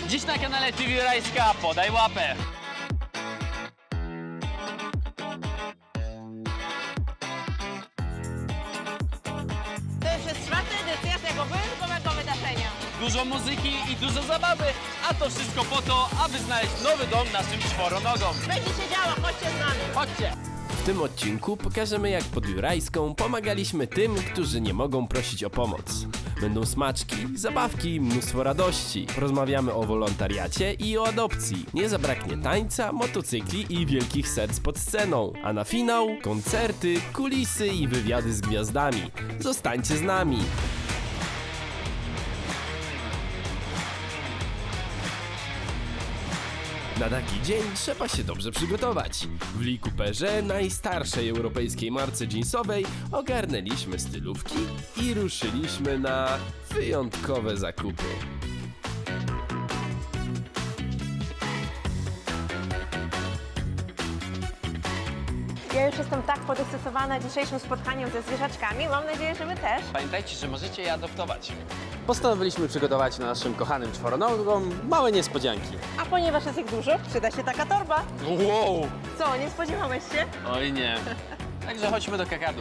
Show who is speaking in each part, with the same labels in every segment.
Speaker 1: Dziś na kanale TV Rajska, podaj łapę.
Speaker 2: To już jest 4. edycja tego wyjątkowego wydarzenia.
Speaker 1: Dużo muzyki i dużo zabawy, a to wszystko po to, aby znaleźć nowy dom naszym czworonogom.
Speaker 2: Będzie się działo, chodźcie z nami.
Speaker 1: Chodźcie!
Speaker 3: W tym odcinku pokażemy, jak pod Jurajską pomagaliśmy tym, którzy nie mogą prosić o pomoc. Będą smaczki, zabawki, mnóstwo radości. Porozmawiamy o wolontariacie i o adopcji. Nie zabraknie tańca, motocykli i wielkich serc pod sceną. A na finał koncerty, kulisy i wywiady z gwiazdami. Zostańcie z nami! Na taki dzień trzeba się dobrze przygotować. W Lee Cooperze, najstarszej europejskiej marce jeansowej, ogarnęliśmy stylówki i ruszyliśmy na wyjątkowe zakupy.
Speaker 2: Ja już jestem tak podekscytowana dzisiejszym spotkaniem ze zwierzaczkami. Mam nadzieję, że wy też.
Speaker 1: Pamiętajcie, że możecie je adoptować.
Speaker 4: Postanowiliśmy przygotować naszym kochanym czworonogom małe niespodzianki.
Speaker 2: A ponieważ jest ich dużo, przyda się taka torba.
Speaker 1: Wow!
Speaker 2: Co, nie spodziewałeś się?
Speaker 1: Oj nie. Także chodźmy do kakadu.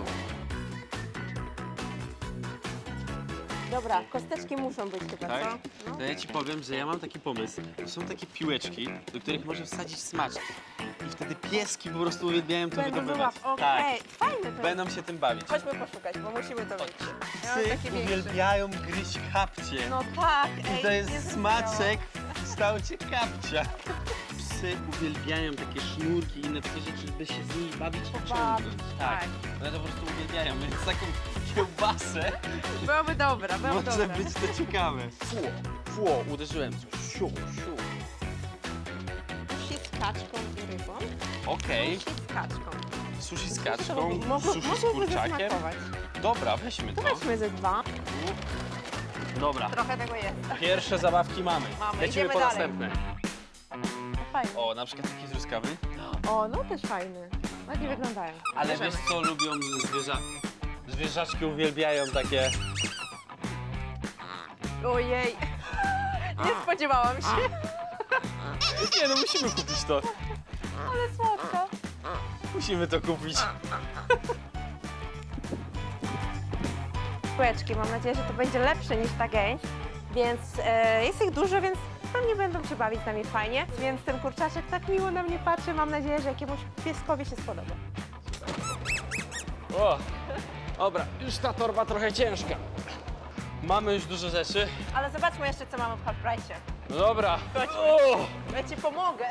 Speaker 2: Dobra, kosteczki muszą być chyba,
Speaker 4: Tak?
Speaker 2: co? No.
Speaker 4: To ja ci powiem, że ja mam taki pomysł. To są takie piłeczki, do których możesz wsadzić smaczki. I wtedy pieski po prostu uwielbiają to
Speaker 2: Będą
Speaker 4: wydobywać.
Speaker 2: wyłap.
Speaker 4: Tak,
Speaker 2: Okej, fajne to
Speaker 4: będą się tym bawić.
Speaker 2: Chodźmy poszukać, bo musimy to mieć. Ja mam
Speaker 4: Psy
Speaker 2: takie większe.
Speaker 4: uwielbiają gryźć kapcie.
Speaker 2: No tak, ej.
Speaker 4: I to jest
Speaker 2: nie
Speaker 4: smaczek w kształcie kapcia. Psy uwielbiają takie sznurki i inne takie rzeczy, by się z nimi bawić i
Speaker 2: Pobawić,
Speaker 4: ciągnąć.
Speaker 2: tak.
Speaker 4: One to po prostu uwielbiają, więc taką kiełbasę
Speaker 2: Byłoby dobra, byłoby
Speaker 4: może
Speaker 2: dobra.
Speaker 4: być to ciekawe. Fło, uderzyłem coś. Siu, siu.
Speaker 2: Sushi z kaczką i rybą.
Speaker 4: Okej,
Speaker 2: Sushi z kaczką.
Speaker 4: sushi z
Speaker 2: To
Speaker 4: kaczką, sushi z
Speaker 2: mogłoby
Speaker 4: kurczakiem.
Speaker 2: zasmakować.
Speaker 4: Dobra, weźmy
Speaker 2: To
Speaker 4: to.
Speaker 2: weźmy ze 2.
Speaker 4: Dobra,
Speaker 2: Trochę tego jest.
Speaker 4: pierwsze zabawki mamy.
Speaker 2: Mamy,
Speaker 4: Lecimy
Speaker 2: idziemy
Speaker 4: po
Speaker 2: dalej.
Speaker 4: następne.
Speaker 2: No fajnie.
Speaker 4: O, na przykład taki truskawy.
Speaker 2: O, no też fajny. Ładnie wyglądają.
Speaker 4: Ale
Speaker 2: Bierzemy.
Speaker 4: wiesz co lubią zwierzaczki uwielbiają takie...
Speaker 2: Ojej. Nie spodziewałam się,
Speaker 4: Nie no, musimy kupić to.
Speaker 2: ale słodka.
Speaker 4: Musimy to kupić.
Speaker 2: Kółeczki, mam nadzieję, że to będzie lepsze niż ta gęś. Więc jest ich dużo, więc pewnie będą się bawić z nami fajnie. Więc ten kurczaczek tak miło na mnie patrzy. Mam nadzieję, że jakiemuś pieskowi się spodoba.
Speaker 4: O, dobra, już ta torba trochę ciężka. Mamy już dużo rzeczy.
Speaker 2: Ale zobaczmy jeszcze, co mamy w Half Price'ie.
Speaker 4: No dobra.
Speaker 2: Chodź.
Speaker 4: O,
Speaker 2: Ja ci pomogę.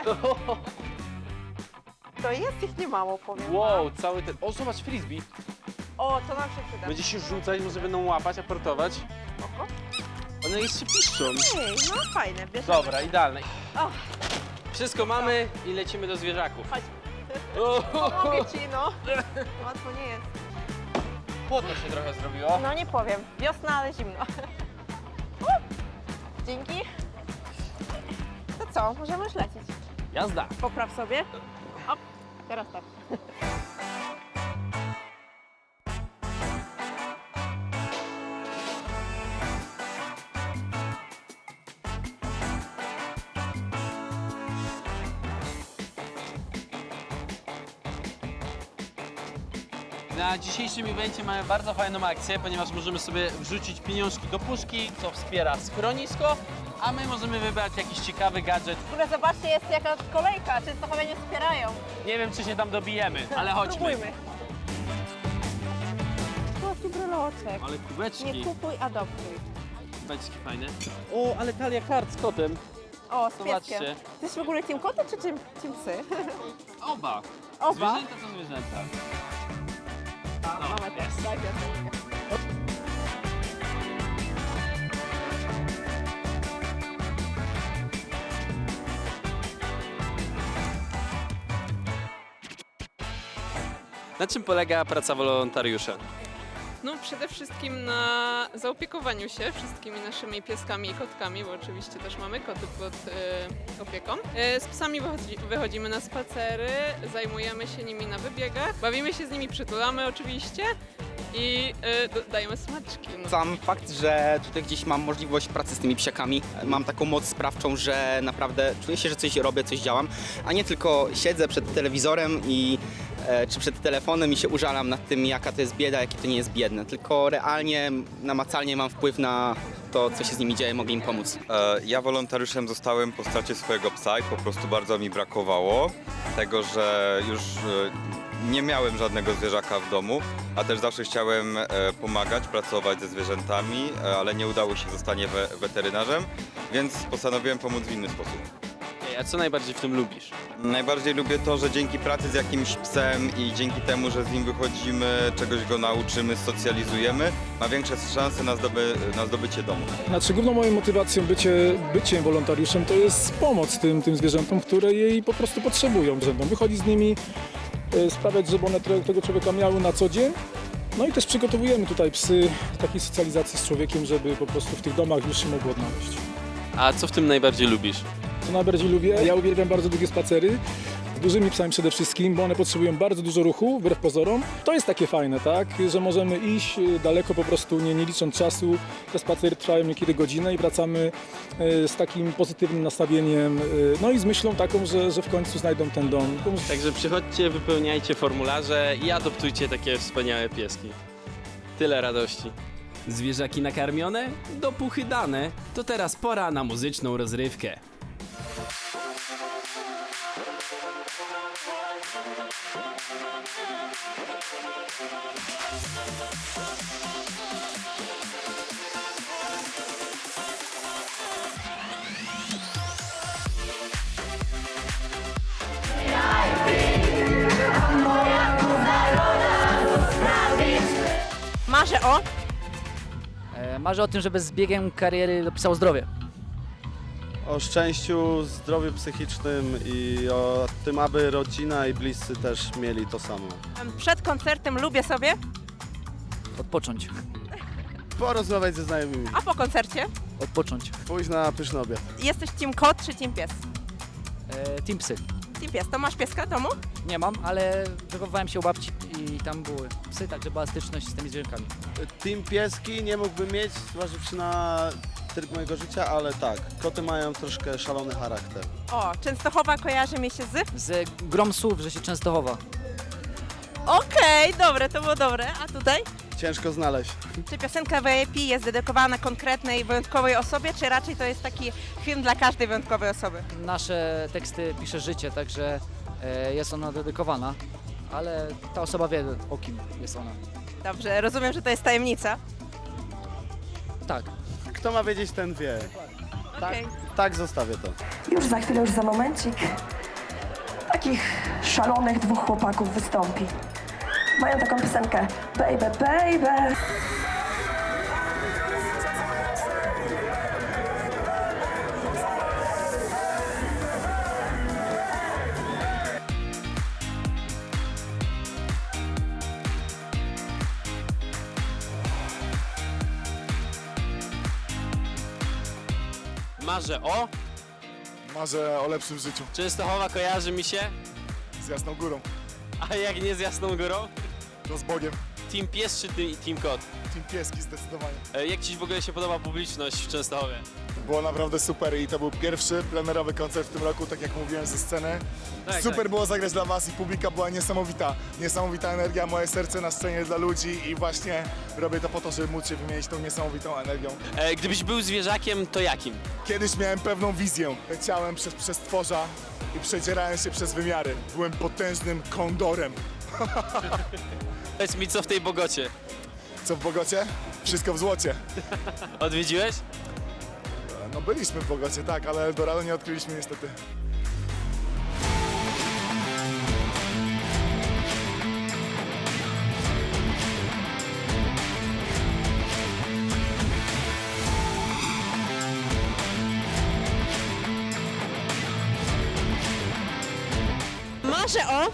Speaker 2: To jest ich niemało, powiem
Speaker 4: wow,
Speaker 2: wam.
Speaker 4: cały ten... O, zobacz, frisbee.
Speaker 2: O, to nam się przyda.
Speaker 4: Będzie się rzucać, może będą łapać, aportować.
Speaker 2: Spoko.
Speaker 4: One jeszcze piszczą.
Speaker 2: Ej, no fajne, bierzemy.
Speaker 4: Dobra, idealne.
Speaker 2: O,
Speaker 4: Wszystko mamy i lecimy do zwierzaków.
Speaker 2: chodź.
Speaker 4: O,
Speaker 2: Pomogę ci, no. Łatwo nie jest.
Speaker 4: Chłodno się trochę zrobiło.
Speaker 2: No nie powiem. Wiosna, ale zimno. Dzięki. To co, możemy już lecieć.
Speaker 4: Jazda.
Speaker 2: Popraw sobie. O, teraz tak.
Speaker 4: Na dzisiejszym evencie mamy bardzo fajną akcję, ponieważ możemy sobie wrzucić pieniążki do puszki, co wspiera schronisko, a my możemy wybrać jakiś ciekawy gadżet.
Speaker 2: W ogóle zobaczcie, jest jaka kolejka. Często chyba nie wspierają.
Speaker 4: Nie wiem, czy się tam dobijemy, ale chodźmy.
Speaker 2: Spróbujmy. Tu bryloczek.
Speaker 4: Ale kubeczki,
Speaker 2: Nie kupuj, adoptuj.
Speaker 4: kubeczki fajne. O, ale talia kart z kotem.
Speaker 2: O, z
Speaker 4: Zobaczcie.
Speaker 2: pieskiem. Ty jesteś w ogóle team koty czy team psy?
Speaker 4: Oba.
Speaker 2: Oba?
Speaker 4: Zwierzęta to zwierzęta.
Speaker 2: Mamy też, tak,
Speaker 4: Na czym polega praca wolontariusza?
Speaker 5: No przede wszystkim na zaopiekowaniu się wszystkimi naszymi pieskami i kotkami, bo oczywiście też mamy koty pod opieką. Z psami wychodzimy na spacery, zajmujemy się nimi na wybiegach, bawimy się z nimi, przytulamy oczywiście i dajemy smaczki. No.
Speaker 6: Sam fakt, że tutaj gdzieś mam możliwość pracy z tymi psiakami, mam taką moc sprawczą, że naprawdę czuję się, że coś robię, coś działam, a nie tylko siedzę przed telewizorem czy przed telefonem i się użalam nad tym, jaka to jest bieda, jakie to nie jest biedne, tylko realnie, namacalnie mam wpływ na to, co się z nimi dzieje, mogę im pomóc.
Speaker 7: Ja wolontariuszem zostałem po stracie swojego psa i po prostu bardzo mi brakowało tego, że już nie miałem żadnego zwierzaka w domu, a też zawsze chciałem pomagać, pracować ze zwierzętami, ale nie udało się zostanie weterynarzem, więc postanowiłem pomóc w inny sposób.
Speaker 4: A co najbardziej w tym lubisz?
Speaker 7: Najbardziej lubię to, że dzięki pracy z jakimś psem i dzięki temu, że z nim wychodzimy, czegoś go nauczymy, socjalizujemy, ma większe szanse na zdobycie domu.
Speaker 8: Znaczy główną moją motywacją byciem wolontariuszem to jest pomoc tym zwierzętom, które jej po prostu potrzebują. Wychodzić z nimi, sprawiać, żeby one tego człowieka miały na co dzień. No i też przygotowujemy tutaj psy takiej socjalizacji z człowiekiem, żeby po prostu w tych domach już się mogło odnaleźć.
Speaker 4: A co w tym najbardziej lubisz?
Speaker 8: Co najbardziej lubię? Ja uwielbiam bardzo długie spacery. Z dużymi psami przede wszystkim, bo one potrzebują bardzo dużo ruchu, wbrew pozorom. To jest takie fajne, tak? Że możemy iść daleko po prostu, nie licząc czasu. Te spacery trwają niekiedy godzinę i wracamy z takim pozytywnym nastawieniem, no i z myślą taką, że w końcu znajdą ten dom.
Speaker 4: Także przychodźcie, wypełniajcie formularze i adoptujcie takie wspaniałe pieski. Tyle radości.
Speaker 3: Zwierzaki nakarmione, dopuchy dane, to teraz pora na muzyczną rozrywkę.
Speaker 2: Marzę o...
Speaker 9: Marzę o tym, żeby z biegiem kariery dopisało zdrowie.
Speaker 10: O szczęściu, zdrowiu psychicznym i o tym, aby rodzina i bliscy też mieli to samo.
Speaker 2: Przed koncertem lubię sobie,
Speaker 9: Odpocząć.
Speaker 10: Porozmawiać ze znajomymi,
Speaker 2: a po koncercie
Speaker 9: Odpocząć.
Speaker 10: pójść na pyszny obiad.
Speaker 2: jesteś team kot czy team pies?
Speaker 9: Team psy.
Speaker 2: Team pies. To masz pieska w domu?
Speaker 9: Nie mam, ale wychowywałem się u babci i tam były psy, także była styczność z tymi zwierzękami.
Speaker 10: Team pieski nie mógłbym mieć, zważywszy na tryb mojego życia, ale tak, koty mają troszkę szalony charakter.
Speaker 2: O, Częstochowa kojarzy mi się z...
Speaker 9: Z grom słów, że się często chowa.
Speaker 2: Okej, dobre, to było dobre. A tutaj?
Speaker 10: Ciężko znaleźć.
Speaker 2: Czy piosenka VIP jest dedykowana konkretnej, wyjątkowej osobie, czy raczej to jest taki hymn dla każdej wyjątkowej osoby?
Speaker 9: Nasze teksty pisze życie, także jest ona dedykowana, ale ta osoba wie, o kim jest ona.
Speaker 2: Dobrze, rozumiem, że to jest tajemnica.
Speaker 9: Tak.
Speaker 10: Kto ma wiedzieć, ten wie.
Speaker 2: Okej.
Speaker 10: Tak, zostawię to.
Speaker 11: Już za chwilę, już za momencik, takich szalonych dwóch chłopaków wystąpi. Mają taką piosenkę Baby, baby.
Speaker 4: Marzę o...
Speaker 8: Marzę o lepszym życiu
Speaker 4: Częstochowa kojarzy mi się,
Speaker 8: z Jasną Górą,
Speaker 4: a jak nie z Jasną Górą?
Speaker 8: to z Bogiem.
Speaker 4: Team pies czy team kot?
Speaker 8: Team pieski zdecydowanie.
Speaker 4: Jak Ci w ogóle się podoba publiczność w Częstochowie?
Speaker 8: Było naprawdę super i to był pierwszy plenerowy koncert w tym roku, tak jak mówiłem, ze sceny.
Speaker 4: Tak,
Speaker 8: Super
Speaker 4: tak.
Speaker 8: było zagrać dla Was i publika była niesamowita. Niesamowita energia, moje serce na scenie dla ludzi i właśnie robię to po to, żeby móc się wymienić tą niesamowitą energią.
Speaker 4: Gdybyś był zwierzakiem, to jakim?
Speaker 8: Kiedyś miałem pewną wizję. Leciałem przez przestworza i przedzierałem się przez wymiary. Byłem potężnym kondorem.
Speaker 4: Powiedz mi, co w tej Bogocie?
Speaker 8: Co w Bogocie? Wszystko w złocie.
Speaker 4: Odwiedziłeś?
Speaker 8: No byliśmy w Bogocie, tak, ale Eldorado nie odkryliśmy niestety.
Speaker 2: Marzę o...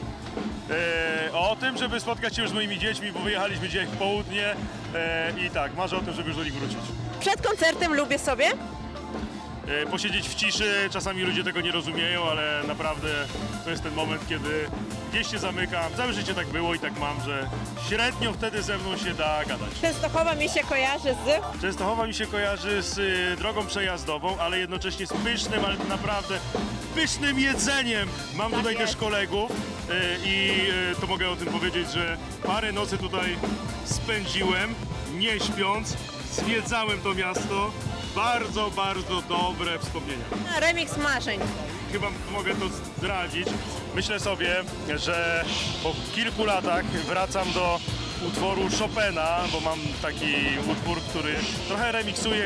Speaker 12: O tym, żeby spotkać się już z moimi dziećmi, bo wyjechaliśmy dzisiaj w południe i tak, marzę o tym, żeby już do nich wrócić.
Speaker 2: Przed koncertem lubię sobie...
Speaker 12: posiedzieć w ciszy. Czasami ludzie tego nie rozumieją, ale naprawdę to jest ten moment, kiedy gdzieś się zamykam. Całe życie tak było i tak mam, że średnio wtedy ze mną się da gadać.
Speaker 2: Częstochowa mi się kojarzy z...
Speaker 12: Częstochowa mi się kojarzy z drogą przejazdową, ale jednocześnie z pysznym, ale naprawdę pysznym jedzeniem. Mam tutaj też kolegów i to mogę o tym powiedzieć, że parę nocy tutaj spędziłem, nie śpiąc, zwiedzałem to miasto. Bardzo, bardzo dobre wspomnienia.
Speaker 2: Remix marzeń.
Speaker 12: Chyba mogę to zdradzić. Myślę sobie, że po kilku latach wracam do utworu Chopina, bo mam taki utwór, który trochę remiksuję,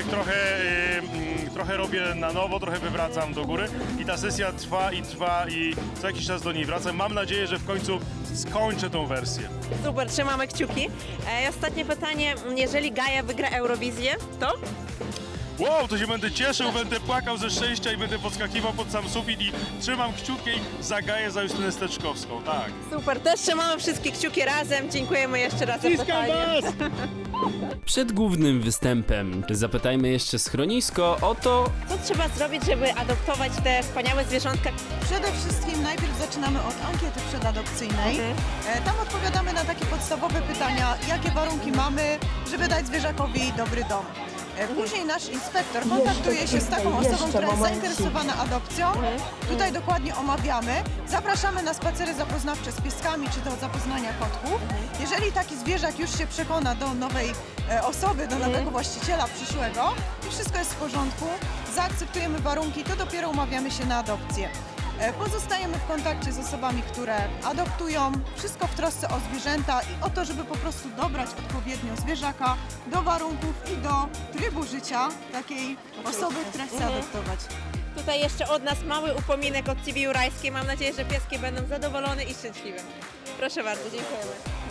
Speaker 12: trochę robię na nowo, trochę wywracam do góry i ta sesja trwa i co jakiś czas do niej wracam. Mam nadzieję, że w końcu skończę tą wersję.
Speaker 2: Super, trzymamy kciuki. Ostatnie pytanie, jeżeli Gaja wygra Eurowizję, to?
Speaker 12: Wow, to się będę cieszył, będę płakał ze szczęścia i będę podskakiwał pod sam sufit i trzymam kciuki za Gaję, za Justynę Steczkowską, tak.
Speaker 2: Super, też trzymamy wszystkie kciuki razem. Dziękujemy jeszcze raz za
Speaker 12: Ściskam
Speaker 2: pytanie.
Speaker 12: was!
Speaker 3: Przed głównym występem zapytajmy jeszcze schronisko o to,
Speaker 2: Co trzeba zrobić, żeby adoptować te wspaniałe zwierzątka?
Speaker 13: Przede wszystkim najpierw zaczynamy od ankiety przedadopcyjnej. Tam odpowiadamy na takie podstawowe pytania, jakie warunki mamy, żeby dać zwierzakowi dobry dom. Później nasz inspektor kontaktuje się z taką osobą, która jest zainteresowana adopcją. Tutaj dokładnie omawiamy. Zapraszamy na spacery zapoznawcze z pieskami czy do zapoznania kotków. Jeżeli taki zwierzak już się przekona do nowej osoby, do nowego właściciela przyszłego i wszystko jest w porządku, zaakceptujemy warunki, to dopiero umawiamy się na adopcję. Pozostajemy w kontakcie z osobami, które adoptują, wszystko w trosce o zwierzęta i o to, żeby po prostu dobrać odpowiednio zwierzaka do warunków i do trybu życia takiej osoby, która chce adoptować.
Speaker 2: Tutaj jeszcze od nas mały upominek od TV Jurajskiej. Mam nadzieję, że pieski będą zadowolone i szczęśliwe. Proszę bardzo, dziękujemy.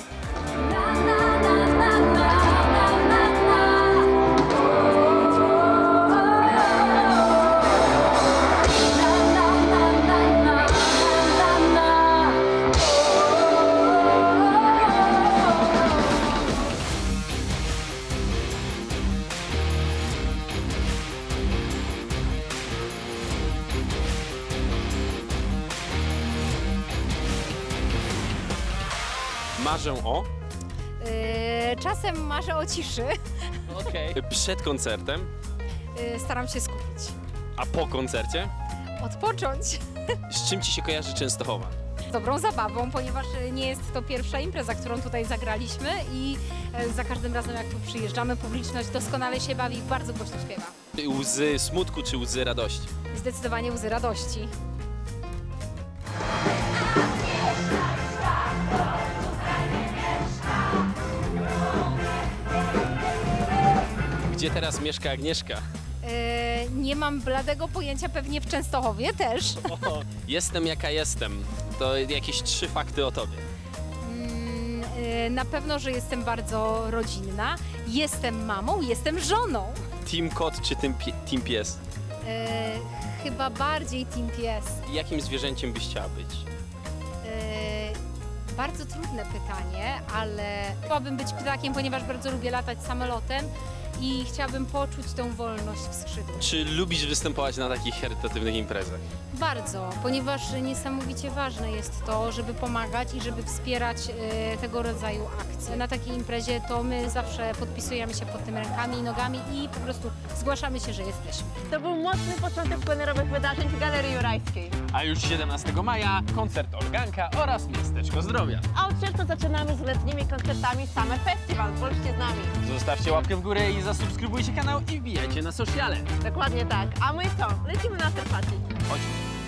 Speaker 14: Marzę o?
Speaker 15: Czasem marzę o ciszy.
Speaker 14: Okej. Przed koncertem?
Speaker 15: Staram się skupić.
Speaker 14: A po koncercie?
Speaker 15: Odpocząć.
Speaker 14: Z czym ci się kojarzy Częstochowa?
Speaker 15: Z dobrą zabawą, ponieważ nie jest to pierwsza impreza, którą tutaj zagraliśmy i za każdym razem jak tu przyjeżdżamy, publiczność doskonale się bawi i bardzo głośno śpiewa.
Speaker 14: Łzy smutku czy łzy radości?
Speaker 15: Zdecydowanie łzy radości.
Speaker 14: Gdzie teraz mieszka Agnieszka?
Speaker 15: Nie mam bladego pojęcia, pewnie w Częstochowie też.
Speaker 14: Jestem jaka jestem. To jakieś 3 fakty o tobie.
Speaker 15: Na pewno, że jestem bardzo rodzinna, jestem mamą, jestem żoną.
Speaker 14: Team kot czy team pies?
Speaker 15: Chyba bardziej team pies.
Speaker 14: Jakim zwierzęciem byś chciała być?
Speaker 15: Bardzo trudne pytanie, ale chciałabym być ptakiem, ponieważ bardzo lubię latać samolotem i chciałabym poczuć tą wolność w skrzydłach.
Speaker 14: Czy lubisz występować na takich charytatywnych imprezach?
Speaker 15: Bardzo, ponieważ niesamowicie ważne jest to, żeby pomagać i żeby wspierać tego rodzaju akcje. Na takiej imprezie to my zawsze podpisujemy się pod tym rękami i nogami i po prostu zgłaszamy się, że jesteśmy.
Speaker 2: To był mocny początek plenerowych wydarzeń w Galerii Jurajskiej.
Speaker 14: A już 17 maja koncert Organka oraz Miasteczko Zdrowia.
Speaker 2: A od czerwca zaczynamy z letnimi koncertami Summer Festival. Bądźcie z nami.
Speaker 14: Zostawcie łapkę w górę i zasubskrybujcie kanał i wbijajcie na sociale.
Speaker 2: Dokładnie tak. A my co? Lecimy na after party.
Speaker 14: Chodź.